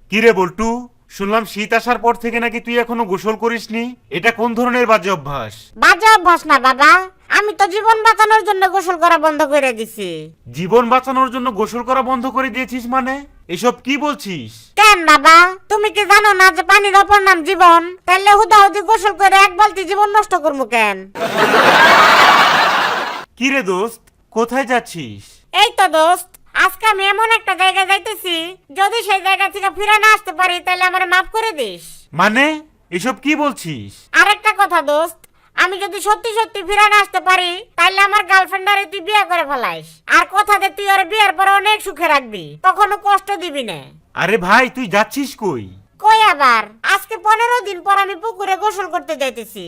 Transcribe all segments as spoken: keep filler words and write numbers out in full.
কিরে বল্টু, শুনলাম শীত আসার পর থেকে নাকি তুই এখনো গোসল করিসনি। এটা কোন ধরনের বাজে অভ্যাস? বাজে অভ্যাস না বাবা, আমি তো জীবন বাঁচানোর জন্য গোসল করা বন্ধ করে দিছি। জীবন বাঁচানোর জন্য গোসল করা বন্ধ করে দিয়েছিস মানে? এসব কি বলছিস? কেন বাবা, তুমি কি জানো না যে পানির অপর নাম জীবন? তাহলে হুদাহুদি গোসল করে এক বালতি জীবন নষ্ট করবো কেন? কিরে দোস্ত, কোথায় যাচ্ছিস? এই তো দোস্ত, আজকে আমি এমন একটা জায়গায় যাইতেছি, যদি সেই জায়গা থেকে ফিরে না আসতে পারি তাহলে আমার মাফ করে দিস। মানে এসব কি বলছিস? আরেকটা কথা দোস্ত, আমি যদি সত্যি সত্যি ফিরে না আসতে পারি তাহলে আমার গার্লফ্রেন্ডারে তুই বিয়ে করে ফেলাইস, আর কথা দে তুই ওর বিয়ের পরে অনেক সুখে রাখবি, কখনো কষ্ট দিবি না। আরে ভাই, তুই যাচ্ছিস কই? কই আবার, আজকে পনেরো দিন পর আমি পুকুরে গোসল করতে যাইতেছি।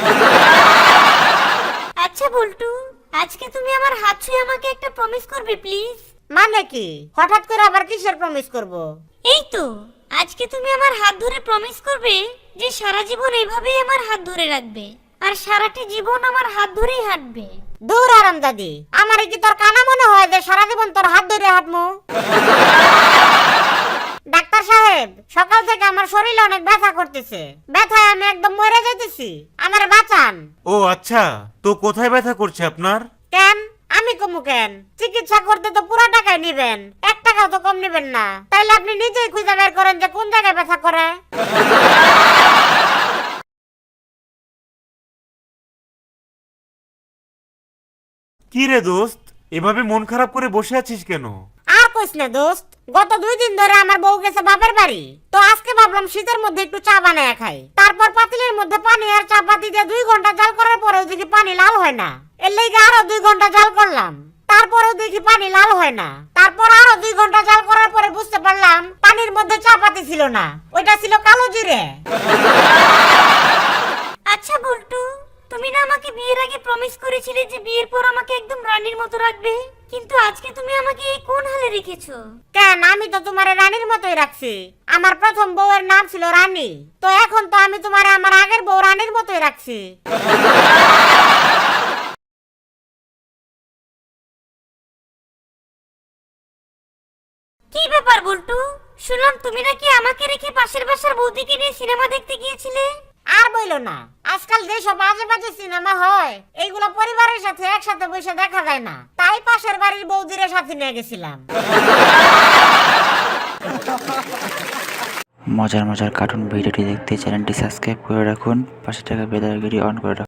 আচ্ছা বল্টু, আজকে তুমি আমার হাত ছুঁয়ে আমাকে একটা প্রমিস করবে প্লিজ? মানে কি, হঠাৎ করে আবার কিসের প্রমিস করব? এই তো, আজকে তুমি আমার হাত ধরে প্রমিস করবে যে সারা জীবন এইভাবেই আমার হাত ধরে রাখবে, আর সারাটি জীবন আমার হাত ধরেই হাঁটবে। দূর আরাম দাদি, আমার কি তোর কানা মনে হয় যে সারা জীবন তোর হাত ধরে হাঁটমু? ডাক্তার সাহেব, সকাল থেকে আমার শরীরে অনেক ব্যথা করতেছে, ব্যথায় আমি একদম মরে যাইতেছি, আমারে বাঁচান। ও আচ্ছা, তো কোথায় ব্যথা করছে আপনার? কেন আমি কমু কেন? চিকিৎসা করতে তো পুরো টাকাই নিবেন, এক টাকাও তো কম নিবেন না। তাইলে আপনি নিজেই খুঁজে বের করেন যে কোন জায়গায় ব্যথা করে। কি রে দোস্ত, এভাবে মন খারাপ করে বসে আছিস কেন? আর কইস না দোস্ত, গত দুই দিন ধরে আমার বউ গেছে বাপের বাড়ি, তো আজকে ভাবলাম শীতের মধ্যে একটু চা বানায় খাই। তারপর পাতিলের মধ্যে পানি আর চা পাতি দিয়ে দুই ঘন্টা জাল করার পরেও দেখি পানি লাল হয় না, এর লেগে আরো দুই ঘন্টা জাল করলাম, তারপরেও দেখি পানি লাল হয় না। তারপর আরো দুই ঘন্টা জাল করার পরে বুঝতে পারলাম পানির মধ্যে চা পাতি ছিল না, ওইটা ছিল কালো জিরে। আচ্ছা বল্টু, তুমি না আমাকে বিয়ের আগে প্রমিস করেছিলে যে বিয়ের পর আমাকে একদম রানীর মতো রাখবে, কিন্তু আজকে তুমি আমাকে এই কোন হালে রেখেছো? কেন, আমি তো তোমারে রানীর মতোই রাখছি, আমার প্রথম বউয়ের নাম ছিল রানী, তো এখন তো আমি তোমারে আমার আগের বউ রানীর মতোই রাখছি। কি ব্যাপার বল্টু, শুনলাম তুমি নাকি আমাকে রেখে পাশের বাসার বৌদিকে নিয়ে সিনেমা দেখতে গিয়েছিলে? আর বইলো না, আজকাল যেসব বাজে বাজে সিনেমা হয় এইগুলো পরিবারের সাথে একসাথে বসে দেখা যায় না, তাই পাশের বাড়ির বৌদিরে সাথে নিয়ে গেছিলাম। মজার মজার কার্টুন ভিডিওটি দেখতে চ্যানেলটি সাবস্ক্রাইব করে রাখুন, পাশে থাকা বেল আইকনটি অন করে রাখুন।